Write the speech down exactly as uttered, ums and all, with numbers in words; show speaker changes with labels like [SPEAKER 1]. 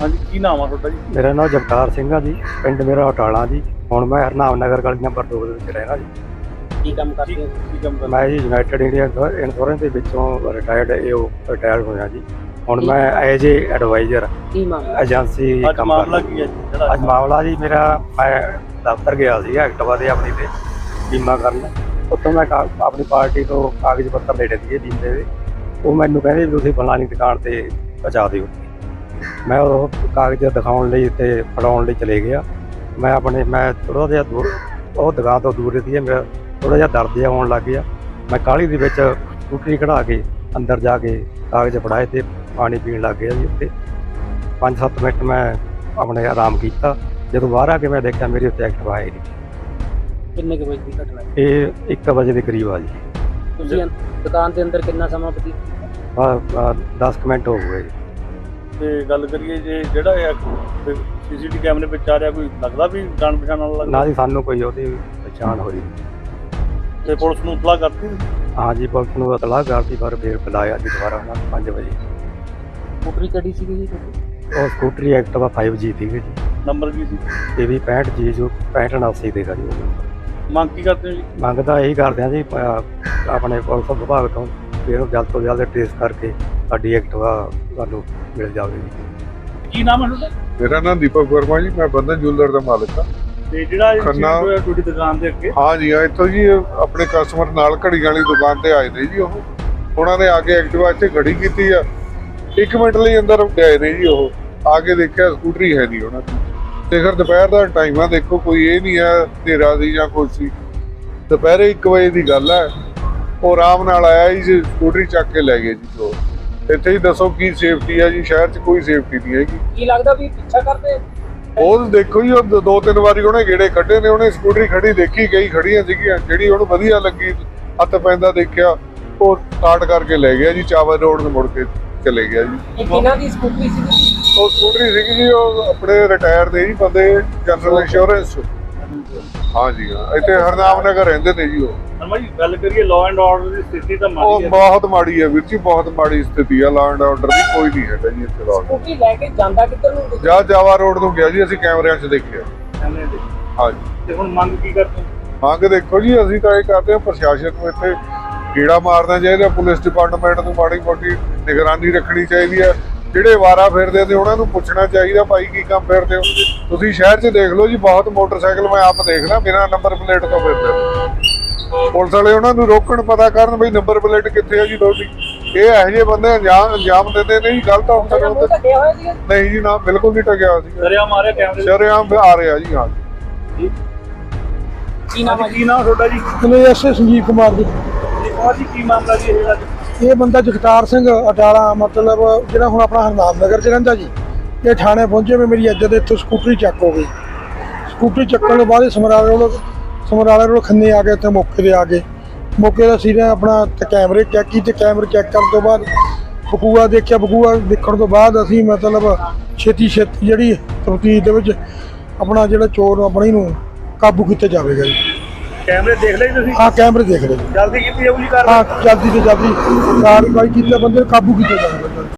[SPEAKER 1] हाँ जी, की नाम है ਤੁਹਾਡਾ ਜੀ?
[SPEAKER 2] मेरा नाम जगतार सिंह है जी। पिंड मेरा अटाला जी। हुण मैं हरनाम नगर गली नंबर दो ਦੇ ਵਿੱਚ ਰਹਿਣਾ ਜੀ।
[SPEAKER 1] ਕੀ ਕੰਮ ਕਰਦੇ ਹੋ? ਕੀ ਕੰਮ ਕਰਦੇ
[SPEAKER 2] ਮੈਂ ਜੀ ਯੂਨਾਈਟਿਡ ਇੰਡੀਆ ਇੰਸ਼ੋਰੈਂਸ ਦੇ ਵਿੱਚੋਂ ਰਿਟਾਇਰਡ ਏਓ ਰਿਟਾਇਰ ਹੋਇਆ ਜੀ। ਹੁਣ ਮੈਂ ਐਜ ਏ ਐਡਵਾਈਜ਼ਰ
[SPEAKER 1] ਕੀ ਮਾਮਲਾ
[SPEAKER 2] ਏਜੰਸੀ
[SPEAKER 1] ਅੱਜ
[SPEAKER 2] ਕੰਮ
[SPEAKER 1] ਮਾਮਲਾ
[SPEAKER 2] ਕਰਦਾ।
[SPEAKER 1] ਕੀ ਹੈ ਜੀ ਜਿਹੜਾ
[SPEAKER 2] ਅੱਜ ਮਾਮਲਾ ਜੀ ਮੇਰਾ ਮੈਂ ਦਫ਼ਤਰ ਗਿਆ ਸੀ ਐਕਟਿਵਾ ਦੇ ਆਪਣੀ ਤੇ ਬੀਮਾ ਕਰਨ। ਉੱਥੋਂ ਮੈਂ ਕਾ- ਆਪਣੀ ਪਾਰਟੀ ਤੋਂ ਕਾਗਜ਼ ਪੱਤਰ ਲੈ ਲਏ ਬੀਮੇ ਦੇ। ਉਹ ਮੈਨੂੰ ਕਹਿੰਦੇ ਵੀ ਤੁਸੀਂ ਫਲਾਣੀ ਦੁਕਾਨ ਤੇ ਪਹੁੰਚਾ ਦਿਓ। ਮੈਂ ਉਹ ਕਾਗਜ਼ ਦਿਖਾਉਣ ਲਈ ਤੇ ਫੜਾਉਣ ਲਈ ਚਲੇ ਗਿਆ। ਮੈਂ ਆਪਣੇ ਮੈਂ ਥੋੜ੍ਹਾ ਜਿਹਾ ਦੂਰ ਉਹ ਦੁਕਾਨ ਤੋਂ ਦੂਰ ਸੀ। ਮੇਰਾ ਥੋੜ੍ਹਾ ਜਿਹਾ ਦਰਦ ਜਿਹਾ ਹੋਣ ਲੱਗ ਗਿਆ। ਮੈਂ ਕਾਹਲੀ ਦੇ ਵਿੱਚ ਸਕੂਟਰੀ ਕਢਾ ਕੇ ਅੰਦਰ ਜਾ ਕੇ ਕਾਗਜ਼ ਫੜਾਏ ਤੇ ਪਾਣੀ ਪੀਣ ਲੱਗ ਗਿਆ ਜੀ। ਉੱਥੇ ਪੰਜ ਸੱਤ ਮਿੰਟ ਮੈਂ ਆਪਣੇ ਆਰਾਮ ਕੀਤਾ। ਜਦੋਂ ਬਾਹਰ ਆ ਕੇ ਮੈਂ ਦੇਖਿਆ ਮੇਰੇ ਉੱਤੇ ਐਕਟਿਵਾ ਹੈ ਨਹੀਂ।
[SPEAKER 1] ਕਿੰਨੇ ਕੁ ਵਜੇ ਦੀ ਘਟਨਾ ਹੈ?
[SPEAKER 2] ਇਹ ਇੱਕ ਵਜੇ ਦੇ ਕਰੀਬ ਆ ਜੀ।
[SPEAKER 1] ਤੁਸੀਂ ਦੁਕਾਨ ਦੇ ਅੰਦਰ ਕਿੰਨਾ ਸਮਾਂ ਬਤੀਤ ਕੀਤਾ?
[SPEAKER 2] ਆ ਦਸ ਕੁ ਮਿੰਟ ਹੋ ਗਏ ਜੀ।
[SPEAKER 1] ਤੇ ਗੱਲ ਕਰੀਏ ਜੇ ਜਿਹੜਾ ਇਹ ਸੀਸੀਟੀਵੀ ਕੈਮਰੇ ਵਿੱਚ ਆ ਰਿਹਾ, ਕੋਈ ਲੱਗਦਾ ਵੀ ਜਾਣ ਪਛਾਣ ਵਾਲਾ ਲੱਗਦਾ?
[SPEAKER 2] ਨਾ ਜੀ ਸਾਨੂੰ ਕੋਈ ਉਹਦੀ ਪਛਾਣ ਹੋਈ।
[SPEAKER 1] ਤੇ ਪੁਲਿਸ ਨੂੰ ਇਤਲਾਹ ਕਰਤੀ?
[SPEAKER 2] ਹਾਂ ਜੀ ਪੁਲਿਸ ਨੂੰ ਇਤਲਾਹ ਕਰਤੀ ਪਰ ਫਿਰ ਬੁਲਾਇਆ ਜੀ ਦੁਬਾਰਾ ਉਹਨਾਂ ਨੂੰ ਪੰਜ ਵਜੇ।
[SPEAKER 1] ਸਕੂਟਰੀ ਕਿਹੜੀ ਸੀਗੀ ਜੀ ਤੁਹਾਡੀ?
[SPEAKER 2] ਉਹ ਸਕੂਟਰੀ ਐਕਟਿਵਾ ਫਾਈਵ ਜੀ ਸੀਗੀ ਜੀ।
[SPEAKER 1] ਨੰਬਰ ਕੀ ਸੀ?
[SPEAKER 2] ਇਹ ਵੀ ਪੈਂਹਠ ਜੀ ਜੋ ਪੈਂਹਠ ਉਨਾਸੀ ਦੇਗਾ ਜੀ। ਉਹ
[SPEAKER 1] ਮੰਗ ਕੀ ਕਰਦੇ ਹੋ ਜੀ?
[SPEAKER 2] ਮੰਗਦਾ ਇਹੀ ਕਰਦੇ ਆ ਜੀ ਅਹ ਆਪਣੇ ਪੁਲਿਸ ਵਿਭਾਗ ਤੋਂ ਵੀ ਇਹਨੂੰ ਜਲਦ ਤੋਂ ਜਲਦ ਟ੍ਰੇਸ ਕਰਕੇ ਸਾਡੀ ਐਕਟਿਵਾ ਸਾਨੂੰ ਮਿਲ ਜਾਵੇ ਜੀ।
[SPEAKER 1] ਕੀ ਨਾਮ ਹੈ ਤੁਹਾਡਾ?
[SPEAKER 3] ਮੇਰਾ ਨਾਮ ਦੀਪਕ ਵਰਮਾ ਜੀ। ਮੈਂ ਬੰਧਨ ਜੁਐਲਰ ਦਾ ਮਾਲਕ ਹਾਂ।
[SPEAKER 1] ਤੇ ਜਿਹੜਾ ਇਹ
[SPEAKER 3] ਖੰਨਾ-
[SPEAKER 1] incident ਹੋਇਆ ਤੁਹਾਡੀ ਦੁਕਾਨ ਦੇ ਅੱਗੇ,
[SPEAKER 3] ਹਾਂ ਜੀ ਹਾਂ, ਇੱਥੋਂ ਜੀ ਆਪਣੇ ਕਸਟਮਰ ਨਾਲ ਘੜੀਆਂ ਵਾਲੀ ਦੁਕਾਨ ਤੇ ਆਏ ਨੇ ਜੀ। ਉਹ ਉਹਨਾਂ ਨੇ ਆ ਕੇ ਐਕਟਿਵਾ ਇੱਥੇ ਖੜੀ ਕੀਤੀ ਆ। ਇੱਕ ਮਿੰਟ ਲਈ ਅੰਦਰ ਗਏ ਨੇ ਜੀ। ਉਹ ਆ ਕੇ ਦੇਖਿਆ ਸਕੂਟਰੀ ਹੈ ਨਹੀਂ ਉਹਨਾਂ ਦੀ। ਤੇ ਫਿਰ ਦੁਪਹਿਰ ਦਾ ਟਾਈਮ ਆ, ਦੇਖੋ ਕੋਈ ਇਹ ਨਹੀਂ ਹੈ ਹਨੇਰਾ ਦੀ ਜਾਂ ਕੁਛ ਸੀ। ਦੁਪਹਿਰੇ ਇੱਕ ਵਜੇ ਦੀ ਗੱਲ ਹੈ। ਉਹ ਆਰਾਮ ਨਾਲ ਆਇਆ ਜੀ, ਸਕੂਟਰੀ ਚੱਕ ਕੇ ਲੈ ਗਏ ਜੀ। ਜੋ ਇੱਥੇ ਹੀ ਦੱਸੋ ਕੀ ਸੇਫਟੀ ਹੈ ਜੀ? ਸ਼ਹਿਰ 'ਚ ਕੋਈ ਸੇਫਟੀ ਨਹੀਂ ਹੈਗੀ।
[SPEAKER 1] ਕੀ ਲੱਗਦਾ ਵੀ ਪਿੱਛਾ ਕਰਦੇ?
[SPEAKER 3] ਉਹ ਦੇਖੋ ਜੀ, ਉਹ ਦੋ ਤਿੰਨ ਵਾਰੀ ਉਹਨੇ ਗੇੜੇ ਕੱਢੇ ਨੇ। ਉਹਨੇ ਸਕੂਟਰੀ ਖੜੀ ਦੇਖੀ, ਕਈ ਖੜੀਆਂ ਸੀਗੀਆਂ, ਜਿਹੜੀ ਉਹਨੂੰ ਵਧੀਆ ਲੱਗੀ ਹੱਥ ਪੈਂਦਾ ਦੇਖਿਆ, ਉਹ ਸਟਾਰਟ ਕਰਕੇ ਲੈ ਗਿਆ ਜੀ। ਚਾਵਲ ਰੋਡ ਨੂੰ ਮੁੜ ਕੇ ਚਲੇ ਗਿਆ ਜੀ।
[SPEAKER 1] ਇਹ ਕਿਹਨਾਂ ਦੀ ਸਕੂਟਰੀ ਸੀ?
[SPEAKER 3] ਉਹ ਸਕੂਟਰੀ ਸੀਗੀ ਜੀ, ਉਹ ਆਪਣੇ ਰਿਟਾਇਰ ਦੇ ਜੀ ਬੰਦੇ, ਜਨਰਲ ਇੰਸ਼ੋਰੈਂਸ। ਹਾਂ ਜੀ ਹਾਂ, ਇੱਥੇ ਹਰਨਾਮ ਨਗਰ ਰਹਿੰਦੇ ਨੇ ਜੀ ਉਹ।
[SPEAKER 1] ਅਰਮਾ ਜੀ ਗੱਲ ਕਰੀਏ ਲਾਅ ਐਂਡ ਆਰਡਰ ਦੀ ਸਥਿਤੀ ਤਾਂ
[SPEAKER 3] ਉਹ
[SPEAKER 1] ਮਾੜੀ ਹੈ।
[SPEAKER 3] ਬਹੁਤ ਮਾੜੀ ਹੈ ਵੀਰ ਜੀ, ਬਹੁਤ ਮਾੜੀ ਸਥਿਤੀ ਆ। ਲਾਅ ਐਂਡ ਆਰਡਰ ਦੀ ਕੋਈ ਨਹੀਂ ਹੈਗਾ ਜੀ ਇੱਥੇ। ਲਾਅ
[SPEAKER 1] ਸਕੂਟਰੀ ਲੈ ਕੇ ਜਾਂਦਾ ਕਿੱਧਰ ਨੂੰ?
[SPEAKER 3] ਜਾਂ ਜਾਵਾ ਰੋਡ ਤੋਂ ਗਿਆ ਜੀ, ਅਸੀਂ ਕੈਮਰਿਆਂ 'ਚ ਦੇਖਿਆ।
[SPEAKER 1] ਸਾਹਮਣੇ ਦੇ।
[SPEAKER 3] ਹਾਂ ਜੀ।
[SPEAKER 1] ਤੇ ਹੁਣ ਮੰਗ ਕੀ ਕਰਦੇ ਹੋ?
[SPEAKER 3] ਮੰਗ ਦੇਖੋ ਜੀ, ਅਸੀਂ ਤਾਂ ਇਹ ਕਰਦੇ ਹਾਂ ਪ੍ਰਸ਼ਾਸਨ ਨੂੰ ਇੱਥੇ ਕੀੜਾ ਮਾਰਨਾ ਚਾਹੀਦਾ। ਪੁਲਿਸ ਡਿਪਾਰਟਮੈਂਟ ਨੂੰ ਮਾੜੀ ਮੋਟੀ ਨਿਗਰਾਨੀ ਰੱਖਣੀ ਚਾਹੀਦੀ ਹੈ। ਜਿਹੜੇ ਵਾਰਾ ਫਿਰਦੇ ਨੇ ਉਹਨਾਂ ਨੂੰ ਪੁੱਛਣਾ ਚਾਹੀਦਾ, ਭਾਈ ਕੀ ਕੰਮ ਫਿਰਦੇ ਹੋ ਤੁਸੀਂ? ਸ਼ਹਿਰ 'ਚ ਦੇਖ ਲਓ ਜੀ, ਬਹੁਤ ਮੋਟਰਸਾਈਕਲ ਮੈਂ ਆਪ ਦੇਖਦਾ ਬਿਨਾਂ ਨੰਬਰ ਪਲੇਟ ਤੋਂ ਫਿਰਦੇ ਨੇ। ਪੁਲਿਸ ਵਾਲੇ ਉਹਨਾਂ ਨੂੰ ਰੋਕਣ, ਪਤਾ ਕਰਨ ਬਈ ਨੰਬਰ ਪਲੇਟ ਕਿੱਥੇ ਹੈ ਜੀ ਤੁਹਾਡੀ। ਇਹ ਇਹੋ ਜਿਹੇ ਬੰਦੇ ਅੰਜਾਮ ਅੰਜਾਮ ਦਿੰਦੇ ਨੇ ਜੀ ਗਲਤ ਅਫਸਰ ਹੁੰਦੇ। ਨਹੀਂ ਜੀ ਨਾ, ਬਿਲਕੁਲ ਨਹੀਂ ਟਕਿਆ ਸੀ।
[SPEAKER 1] ਦਰਿਆ ਮਾਰਿਆ ਕੈਮਰੇ?
[SPEAKER 3] ਸ਼ਰੇਆਮ ਆ ਰਿਹਾ ਜੀ। ਹਾਂ
[SPEAKER 1] ਕੀ ਨਾਮ ਹੈ? ਕੀ ਨਾਮ ਤੁਹਾਡਾ ਜੀ?
[SPEAKER 4] ਮੈਨੂੰ ਐਸ ਸੰਜੀਵ ਕੁਮਾਰ ਜੀ।
[SPEAKER 1] ਕੁਮਾਰ ਜੀ, ਕੀ ਮਾਮਲਾ ਜੀ ਇਹ?
[SPEAKER 4] ਇਹ ਬੰਦਾ ਜਗਤਾਰ ਸਿੰਘ ਅਟਾਲਾ, ਮਤਲਬ ਜਿਹੜਾ ਹੁਣ ਆਪਣਾ ਹਰਨਾਮ ਨਗਰ 'ਚ ਰਹਿੰਦਾ ਜੀ। ਇਹ ਥਾਣੇ ਪਹੁੰਚੇ ਵੀ ਮੇਰੀ ਇੱਜ਼ਤ ਇੱਥੋਂ ਸਕੂਟਰੀ ਚੱਕ ਹੋ ਗਈ। ਸਕੂਟਰੀ ਚੱਕਣ ਤੋਂ ਬਾਅਦ ਸਮਰਾਲੇ ਕੋਲ ਸਮਰਾਲੇ ਕੋਲ ਖੰਨੇ ਆ ਕੇ ਇੱਥੇ ਮੌਕੇ 'ਤੇ ਆ ਗਏ। ਮੌਕੇ ਦਾ ਸੀ ਨੇ ਆਪਣਾ ਤੇ ਕੈਮਰੇ ਚੈੱਕ ਕੀਤੇ। ਕੈਮਰੇ ਚੈੱਕ ਕਰਨ ਤੋਂ ਬਾਅਦ ਬਕੂਆ ਦੇਖਿਆ। ਬਕੂਆ ਦੇਖਣ ਤੋਂ ਬਾਅਦ ਅਸੀਂ ਮਤਲਬ ਛੇਤੀ ਛੇਤੀ ਜਿਹੜੀ ਤਫਤੀਸ਼ ਦੇ ਵਿੱਚ ਆਪਣਾ ਜਿਹੜਾ ਚੋਰ ਆਪਣੀ ਨੂੰ ਕਾਬੂ ਕੀਤਾ ਜਾਵੇਗਾ ਜੀ।
[SPEAKER 1] ਕੈਮਰੇ ਦੇਖ ਲਏ ਤੁਸੀਂ?
[SPEAKER 4] ਹਾਂ ਕੈਮਰੇ ਦੇਖ ਲਏ ਜੀ।
[SPEAKER 1] ਜਲਦੀ ਕੀਤੀ ਜਾਊਗੀ ਕਾਰਵਾਈ?
[SPEAKER 4] ਹਾਂ ਜਲਦੀ ਤੋਂ ਜਲਦੀ ਕਾਰਵਾਈ ਕੀਤੀ, ਬੰਦੇ ਨੂੰ ਕਾਬੂ ਕੀਤਾ ਜਾਵੇਗਾ।